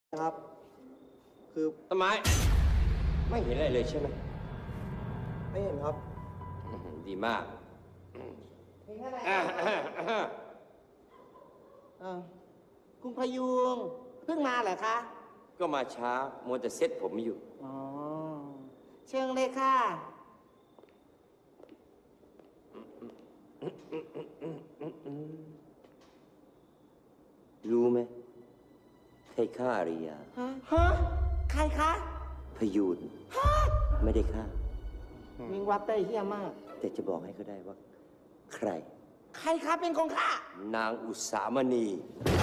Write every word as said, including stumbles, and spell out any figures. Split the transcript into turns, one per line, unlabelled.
ครับคือ
ต้นไม้ไม่เห็นอะไรเลยใช่ไหม
ไม่เห็นครับ
อื้อหือดีมาก
มีแค่ไหน
อ่าอ่าอ่า
เออคุณพยุงเพิ่งมาเหรอคะ
ก็มาช้ามัวแต่เซ็ตผมอยู่
อ๋อเชิญเลยค่ะ
รู้ไหมใครฆ่าอาริยา
ฮะฮะใครคะ
พยูนไม่ได้ฆ่า
มิงวัดได้เฮี้ยมาก
แต่จะบอกให้เขาได้ว่า ใคร
ใครคะเป็นคนฆ่า
นางอุสามณี
ฮ